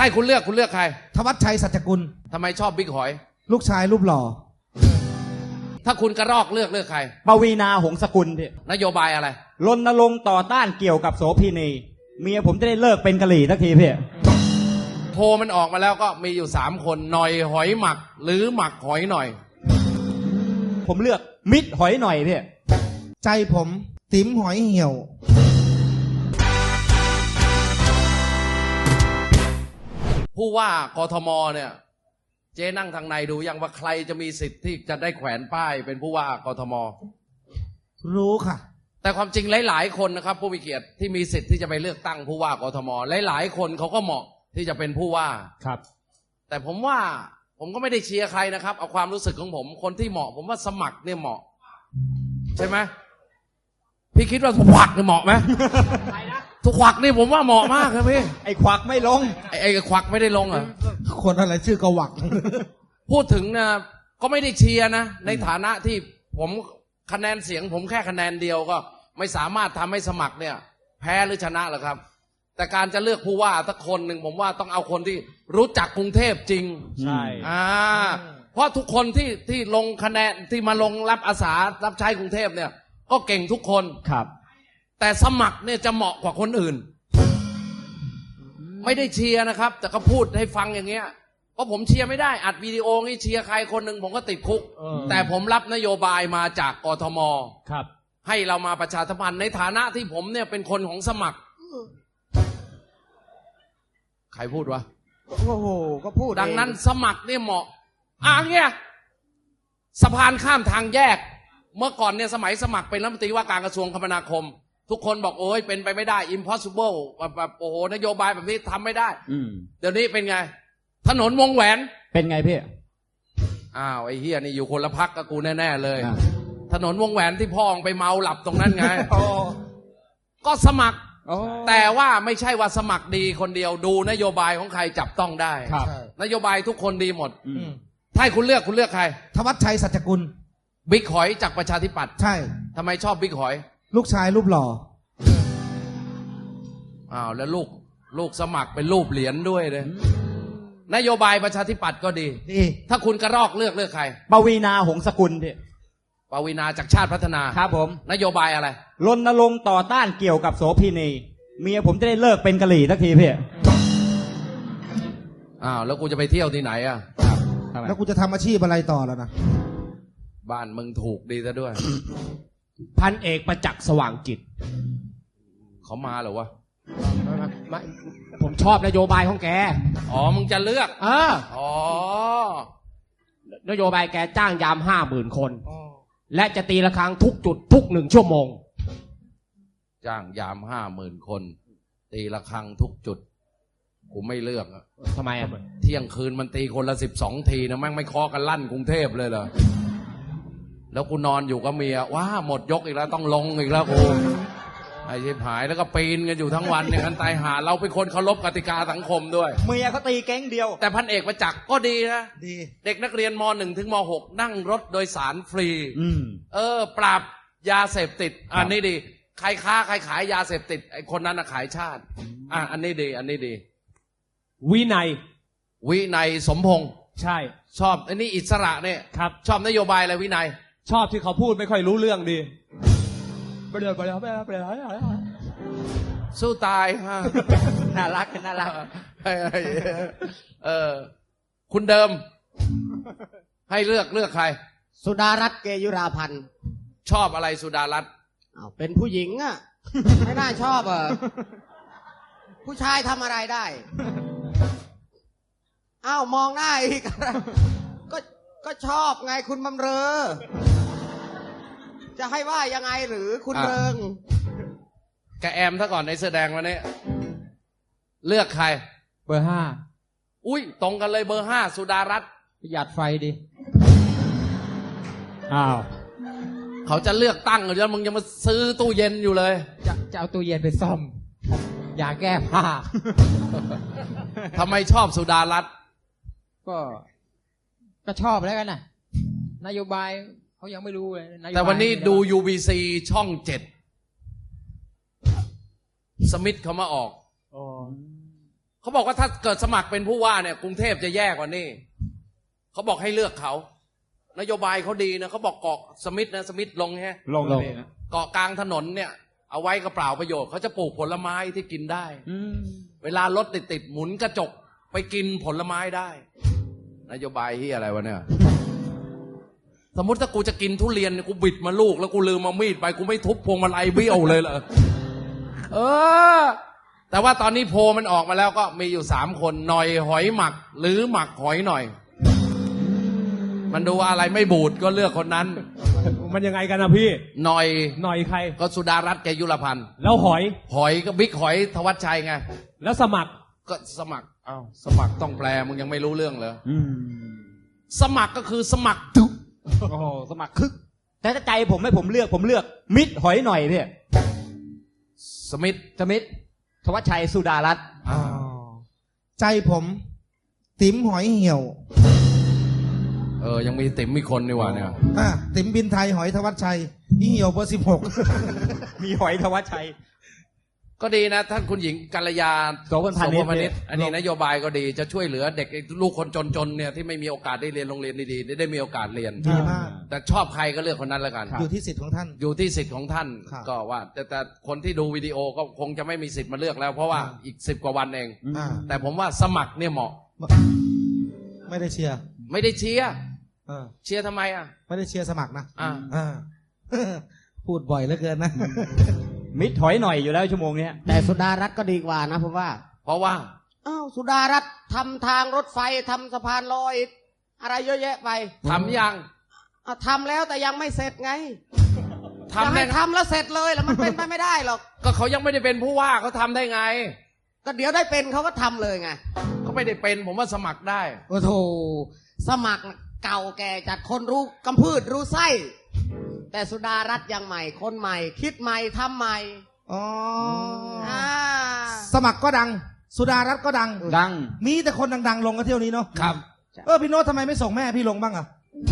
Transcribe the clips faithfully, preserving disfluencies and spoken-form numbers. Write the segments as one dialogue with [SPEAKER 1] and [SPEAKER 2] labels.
[SPEAKER 1] ให้คุณเลือกคุณเลือกใคร
[SPEAKER 2] ธวัชชัยสัจจกุล
[SPEAKER 1] ทำไมชอบบิ๊กหอย
[SPEAKER 2] ลูกชายรูปหล่อ
[SPEAKER 1] ถ้าคุณกระรอกเลือกเลือกใคร
[SPEAKER 3] ปวีณาหงสกุลพี่
[SPEAKER 1] นโยบายอะไร
[SPEAKER 3] รณรงค์ต่อต้านเกี่ยวกับโสเภณีเมียผมจะได้เลิกเป็นกะหรี่สักทีพี่
[SPEAKER 1] โพมันออกมาแล้วก็มีอยู่สามคนหน่อยหอยหมักหรือหมักหอยหน่อย
[SPEAKER 3] ผมเลือกมิตรหอยหน่อยพี่
[SPEAKER 2] ใจผมติ๋มหอยเหี่ยว
[SPEAKER 1] ผู้ว่ากทมเนี่ยเจ๊นั่งทางในดูยังว่าใครจะมีสิทธิ์ที่จะได้แขวนป้ายเป็นผู้ว่ากทม
[SPEAKER 2] รู้ค่ะ
[SPEAKER 1] แต่ความจริงหลายๆคนนะครับผู้มีเกียรติที่มีสิทธิ์ที่จะไปเลือกตั้งผู้ว่ากทมหลายๆคนเขาก็เหมาะที่จะเป็นผู้ว่า
[SPEAKER 3] ครับ
[SPEAKER 1] แต่ผมว่าผมก็ไม่ได้เชียร์ใครนะครับเอาความรู้สึกของผมคนที่เหมาะผมว่าสมัครเนี่ยเหมาะใช่ไหมพี่คิดว่าทุกขวักเนี่ยเหมาะไหมทุกขวักนี่ผมว่าเหมาะมากครับพี่
[SPEAKER 3] ไอ้ขวักไม่ลง
[SPEAKER 1] ไอ้ไอ้ขวักไม่ได้ลงอ่ะ
[SPEAKER 2] คนอะไรชื่อกวัก
[SPEAKER 1] พูดถึงนะก็ไม่ได้เชียร์นะในฐานะที่ผมคะแนนเสียงผมแค่คะแนนเดียวก็ไม่สามารถทำให้สมัครเนี่ยแพ้หรือชนะหรอกครับแต่การจะเลือกผู้ว่าสักคนหนึ่งผมว่าต้องเอาคนที่รู้จักกรุงเทพจริง
[SPEAKER 3] ใช่
[SPEAKER 1] อ่าเพราะทุกคนที่ที่ลงคะแนนที่มาลงรับอาสารับใช้กรุงเทพเนี่ยก็เก่งทุกคน
[SPEAKER 3] ครับ
[SPEAKER 1] แต่สมัครเนี่ยจะเหมาะกว่าคนอื่นไม่ได้เชียร์นะครับแต่ก็พูดให้ฟังอย่างเงี้ยเพราะผมเชียร์ไม่ได้อัดวิดีโองี้เชียร์ใครคนหนึ่งผมก็ติดคุกแต่ผมรับนโยบายมาจากกทม
[SPEAKER 3] ครับ
[SPEAKER 1] ให้เรามาประชาสัมพันธ์ในฐานะที่ผมเนี่ยเป็นคนของสมัครใครพูดวะ
[SPEAKER 2] โอ้โหก็พูด
[SPEAKER 1] ดังนั้นสมัครเนี่ยเหมาะอ่ะเงี้ยสะพานข้ามทางแยกเมื่อก่อนเนี่ยสมัยสมัครเป็นรัฐมนตรีว่าการกระทรวงคมนาคมทุกคนบอกโอ้ยเป็นไปไม่ได้ impossible แบบโอ้โหนโยบายแบบนี้ทำไม่ได้เดี๋ยวนี้เป็นไงถนนวงแหวน
[SPEAKER 3] เป็นไงพี่
[SPEAKER 1] อ้าวไอ้เฮียนี่อยู่คนละพักกับกูแน่ๆเลยถนนวงแหวนที่พ่อไปเมาหลับตรงนั้นไงก็สมัครแต่ว่าไม่ใช่ว่าสมัครดีคนเดียวดูนโยบายของใครจับต้องได้นโยบายทุกคนดีหมดถ้าคุณเลือกคุณเลือกใคร
[SPEAKER 2] ธวัชชัยสัจจกุล
[SPEAKER 1] บิ๊กหอยจากประชาธิปัตย์
[SPEAKER 2] ใช่
[SPEAKER 1] ทำไมชอบบิ๊กหอย
[SPEAKER 2] ลูกชายรูปหล่อ
[SPEAKER 1] อ้าวแล้วลูกลูกสมัครเป็นรูปเหรียญด้วยเลยนโยบายประชาธิปัตย์ก็ดี
[SPEAKER 2] ดี
[SPEAKER 1] ถ้าคุณกระรอกเลือกเลือกใคร
[SPEAKER 3] ปวีณาหงสกุลพี่
[SPEAKER 1] ปวีณาจากชาติพัฒนา
[SPEAKER 3] ครับผม
[SPEAKER 1] นโยบายอะไร
[SPEAKER 3] รณรงค์ต่อต้านเกี่ยวกับโสเภณีเมียผมจะได้เลิกเป็นกะหรี่สักทีพี่
[SPEAKER 1] อ้าวแล้วกูจะไปเที่ยวที่ไหนอ่ะ
[SPEAKER 2] แล้วกูจะทำอาชีพอะไรต่อแล้วนะ
[SPEAKER 1] บ้านมึงถูกดีซะด้วย
[SPEAKER 4] พันเอกประจักษ์สว่างจิต
[SPEAKER 1] เขามาเหรอวะ
[SPEAKER 4] ผมชอบนโยบายของแก
[SPEAKER 1] อ๋อมึงจะเลือก
[SPEAKER 4] เอออ๋อนโยบายแกจ้างยามห้าหมื่นคนและจะตีระฆังทุกจุดทุกหนึ่งชั่วโมง
[SPEAKER 1] จ้างยามห้าหมื่นคนตีระฆังทุกจุดกูไม่เลือก
[SPEAKER 4] ทำไมอ่ะ
[SPEAKER 1] เที่ยงคืนมันตีคนละสิบสองทีนะแม่งไม่เคาะกันลั่นกรุงเทพเลยเหรอแล้วกูนอนอยู่กับเมียว้าหมดยกอีกแล้วต้องลงอีกแล้วกูไอ้ชิบหายแล้วก็ปีนกันอยู่ทั้งวันอย่างนั้นตายหาเราเป็นคนเคารพกติกาสังคมด้วย
[SPEAKER 3] เมียเขาตีแก๊งเดียว
[SPEAKER 1] แต่พันเอกประจักษ์ก็ดีนะ
[SPEAKER 2] ดี
[SPEAKER 1] เด็กนักเรียนม.หนึ่ง ถึงม.หก นั่งรถโดยสารฟรีเออปราบยาเสพติดอันนี้ดีใครค้าใครขายยาเสพติดไอ้คนนั้นน่ะขายชาติอ่ะอันนี้ดีอันนี้ดี
[SPEAKER 4] วินัย
[SPEAKER 1] วินัยสมพงษ์
[SPEAKER 4] ใช่
[SPEAKER 1] ชอบอันนี้อิสระเนี่ย
[SPEAKER 4] ครับ
[SPEAKER 1] ชอบนโยบายอะไรวินัย
[SPEAKER 4] ชอบที่เขาพูดไม่ค่อยรู้เรื่องดีไปเดี๋ยวไปเดี๋ยวไปเดี๋ยวไปเดี๋ยว
[SPEAKER 1] สู้ตายฮะ
[SPEAKER 3] น่ารักน่ารัก
[SPEAKER 1] เออคุณเดิมให้เลือกเลือกใคร
[SPEAKER 2] สุดารัตน์เกยุราพันธ์
[SPEAKER 1] ชอบอะไรสุดารัตน์
[SPEAKER 2] อ้าวเป็นผู้หญิงอ่ะไม่น่าชอบอ่ะผู้ชายทำอะไรได้อ้าวมองหน้าอีกก็ก็ชอบไงคุณบำเรอจะให้ว่ายังไงหรือคุณเริง
[SPEAKER 1] แกแอมซะก่อนในเสื้อแดงวันนี้เลือกใคร
[SPEAKER 4] เบอร์ห้า
[SPEAKER 1] อุ้ยตรงกันเลยเบอร์ห้าสุดารัตน์
[SPEAKER 4] ประหยัดไฟดิอ้าว
[SPEAKER 1] เขาจะเลือกตั้งหรือจะมึงยังมาซื้อตู้เย็นอยู่เลย
[SPEAKER 4] จะจะเอาตู้เย็นไปซ่อมอย่าแก้ผ้า
[SPEAKER 1] ทำไมชอบสุดารัตน์
[SPEAKER 4] ก็ก็ชอบแล้วกันนะนโยบายเขายังไม่รู้เลย
[SPEAKER 1] แต่วันนี้ดู ยู บี ซี ช่องเจ็ดสมิธเขามาออกเขาบอกว่าถ้าเกิดสมัครเป็นผู้ว่าเนี่ยกรุงเทพจะแย่กว่านี้เขาบอกให้เลือกเขานโยบายเขาดีนะเขาบอกเกาะสมิธนะสมิธลงแฮะ
[SPEAKER 3] ลงเลยนะ
[SPEAKER 1] เกาะกลางถนนเนี่ยเอาไว้ก็เปล่าประโยชน์เขาจะปลูกผลไม้ที่กินได้
[SPEAKER 3] อืม
[SPEAKER 1] เวลารถติดติดๆหมุนกระจกไปกินผลไม้ได้ นโยบายที่อะไรวะเนี่ย สมมติถ้ากูจะกินทุเรียนเนี่ยกูบิดมาลูกแล้วกูลืมมามีดไปกูไม่ทุบพวงมาลัยเบี้ยวเลยเหรอ เออ แต่ว่าตอนนี้โพลมันออกมาแล้วก็มีอยู่สามคนหน่อยหอยหมัก หรือหมักหอยหน่อย มันดูอะไรไม่บูดก็เลือกคนนั้น
[SPEAKER 5] มันยังไงกันนะพี่
[SPEAKER 1] หน่อย
[SPEAKER 5] หน่อยใคร
[SPEAKER 1] ก็สุดารัตน์แกยุรพันธ์
[SPEAKER 5] แล้วหอย
[SPEAKER 1] หอยก็บิ๊กหอยธวัชชัยไง
[SPEAKER 5] แล้วสมัคร
[SPEAKER 1] ก็สมัครอ้าวสมัครต้องแปลมึงยังไม่รู้เรื่องเลย
[SPEAKER 3] อืม
[SPEAKER 1] สมัครก็คือสมัครทุก
[SPEAKER 3] โอ้โหสมัครคึก แต่ถ้าใจผมให้ผมเลือกผมเลือก มิดหอยหน่อยพี่
[SPEAKER 1] สมิธ
[SPEAKER 3] สมิธทวัชชัยสุดารัตน์
[SPEAKER 1] อ่า
[SPEAKER 6] ใจผม ติ๋มหอยเหี่ยว
[SPEAKER 1] เออยังมีติ๋มมีคนนี่หว่าเนี่ย
[SPEAKER 6] อ่ะติ๋มบินไทยหอยธวัชชัยอีเหี่ยวเบอร์สิบหก
[SPEAKER 3] มีหอยทวัชชัย
[SPEAKER 1] ก็ดีนะท่านคุณหญิงกัลยา
[SPEAKER 3] โสพลพาณิชย์
[SPEAKER 1] โสพลอันนี้นโยบายก็ดีจะช่วยเหลือเด็กลูกคนจนๆเนี่ยที่ไม่มีโอกาสได้เรียนโรงเรียนดีๆได้ได้มีโอกาสเรียน
[SPEAKER 6] ดีมาก
[SPEAKER 1] แต่ชอบใครก็เลือกคนนั้นแล้วกัน
[SPEAKER 6] อยู่ที่สิทธิ์ของท่าน
[SPEAKER 1] อยู่ที่สิทธิ์ของท่าน
[SPEAKER 6] ครับ
[SPEAKER 1] ก็ว่า แต่แต่คนที่ดูวิดีโอก็คงจะไม่มีสิทธิ์มาเลือกแล้ว เพราะว่า
[SPEAKER 6] อ่า
[SPEAKER 1] อีกสิบกว่าวันเอง
[SPEAKER 6] อ่า
[SPEAKER 1] แต่ผมว่าสมัครเนี่ยเหมาะ
[SPEAKER 6] ไม่ได้เชียร์
[SPEAKER 1] ไม่ได้เชียร์
[SPEAKER 6] เออ
[SPEAKER 1] เชียร์ทำไมอ่ะ
[SPEAKER 6] ไม่ได้เชียร์สมัครนะ
[SPEAKER 1] อ่า
[SPEAKER 6] อ่า พูดบ่อยเหลือเกินนะ
[SPEAKER 3] มิดหอยหน่อยอยู่แล้วชั่วโมงเนี้ย
[SPEAKER 2] แต่สุดารัตน์ก็ดีกว่านะผมว่า
[SPEAKER 1] เพราะว่า
[SPEAKER 2] อ้าวสุดารัตน์ทำทางรถไฟทำสะพานลอย อะไรเยอะแยะไป
[SPEAKER 1] ทำยัง
[SPEAKER 2] อ่ะทำแล้วแต่ยังไม่เสร็จไง
[SPEAKER 1] ทำ
[SPEAKER 2] จะ
[SPEAKER 1] ได้
[SPEAKER 2] ให้ทำแล้วเสร็จเลยแล้วมันเป็นไปไม่ได้หรอก
[SPEAKER 1] ก็เขายังไม่ได้เป็นผู้ว่าเขาทำได้ไง
[SPEAKER 2] ก็เดี๋ยวได้เป็นเขาก็ทำเลยไง
[SPEAKER 1] เขาไม่ได้เป็นผมว่าสมัครได้
[SPEAKER 2] โอ้โถสมัครเก่าแก่จัดคนรู้กำพืชรู้ไส้ แต่สุดารัตน์ยังใหม่คนใหม่ คิดใหม่ทำใหม่
[SPEAKER 6] อ๋อ
[SPEAKER 2] อ่า
[SPEAKER 6] สมัครก็ดัง สุดารัตน์ก็ดัง
[SPEAKER 3] ดัง
[SPEAKER 6] มีแต่คนดังๆ ลงกันเที่ยวนี้เนาะ
[SPEAKER 1] ครับ
[SPEAKER 6] เออพี่โน้ตทำไมไม่ส่งแม่พี่ลงบ้างอะ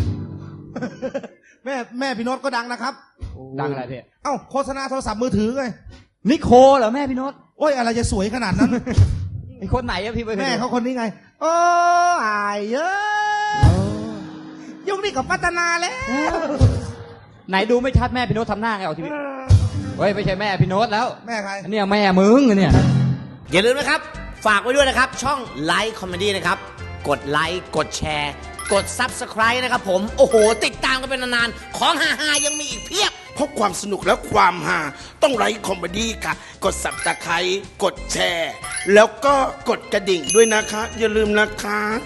[SPEAKER 6] แม่แม่พี่โน้ตก็ดังนะครับ
[SPEAKER 3] ดังอะไรพี่
[SPEAKER 6] เอ้าโฆษณาโทรศัพท์มือถือไง
[SPEAKER 3] นิโคเหรอแม่พี่โน้ต
[SPEAKER 6] โอ้ยอะไรจะสวยขนาดนั้น
[SPEAKER 3] ไอคนไหนอะพี่ไป
[SPEAKER 6] แม่เขาคนนี้ไง โอ้อายเยอะยุคนี้กับพัฒนาแล้ว
[SPEAKER 3] ไหนดูไม่ชัดแม่พี่โน้ตทำหน้าไงออกทีวีเฮ้ยไม่ใช่แม่พี่โน้ตแล้ว
[SPEAKER 6] แม่ใคร
[SPEAKER 3] อันเนี้ยแม่มึงเนี่ย
[SPEAKER 7] อย่าลืมนะครับ ฝากไว้ด้วยนะครับ ช่องไลค์คอมเมดี้นะครับ กดไลค์กดแชร์ กด Subscribe นะครับผม โอ้โห ติดตามกันเป็นนานๆ ของฮาๆยังมีอีกเพียบ
[SPEAKER 8] เพราะความสนุกและความฮาต้องไลค์คอมเมดี้ค่ะ กดสับตะไคร้กดแชร์ แล้วก็กดกระดิ่งด้วยนะคะ อย่าลืมนะคะ